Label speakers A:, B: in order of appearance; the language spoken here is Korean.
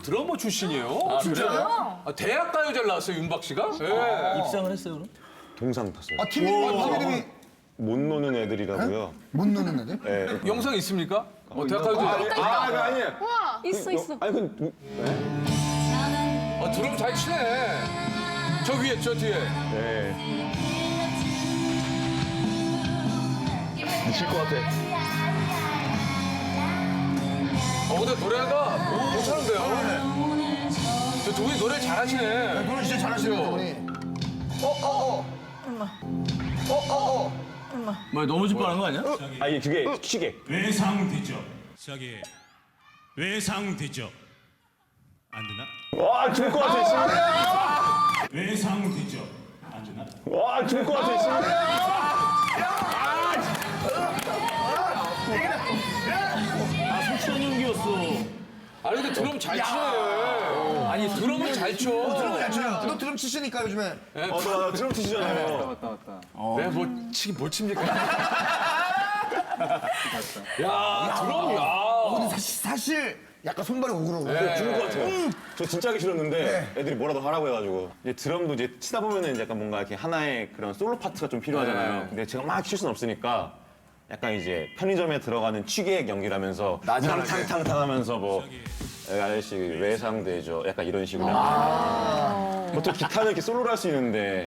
A: 드러머 출신이에요.
B: 진짜요?
A: 아, 대학 가요제를 나왔어요, 윤박 씨가? 예.
C: 입상을 했어요, 그럼?
D: 동상 탔어요.
B: 팀 이름이
D: 못 노는 애들이라고요.
B: 못 노는 애들?
D: 네.
A: 영상 있습니까? 대학 가요제.
D: 아니에요.
E: 있어 있어.
D: 아니 그
A: 드럼 잘 치네. 저 위에, 저 뒤에.
D: 네.
C: 미칠 것 같아.
A: 근데 노래가 괜찮은데요? 저 두 분이 노래 잘하시네.
B: 노래 진짜 잘하시는 분이.
C: 뭐 넘어질 뻔한 거 아니야?
D: 아니 그게 시계.
F: 외상되죠. 저기 외상되죠. 안 되나?
D: 와 죽을 것 같아 지금.
F: 외상되죠. 안 되나?
D: 와 죽을 것 같아 지금.
C: 수천 연기였어.
A: 아니, 근데 드럼 잘 치네. 아니, 드럼을 잘 쳐.
B: 드럼 잘 쳐요. 너 드럼 치시니까 요즘에.
D: 나 드럼 치시잖아요.
A: 왜 치긴 뭘 칩니까? 야, 드럼, 야.
B: 근데 사실 약간 손발이 오그러고.
D: 죽을 것 같아요. 저 진짜 하기 싫었는데 애들이 뭐라도 하라고 해가지고 이제 드럼도 이제 치다 보면은 이제 약간 뭔가 이렇게 하나의 그런 솔로 파트가 좀 필요하잖아요. 근데 제가 막 칠 수는 없으니까 약간 이제 편의점에 들어가는 취객 연기라면서 탕탕탕탕 하면서 뭐 아저씨 외상되죠. 약간 이런 식으로. 보통 기타는 이렇게 솔로로 할 수 있는데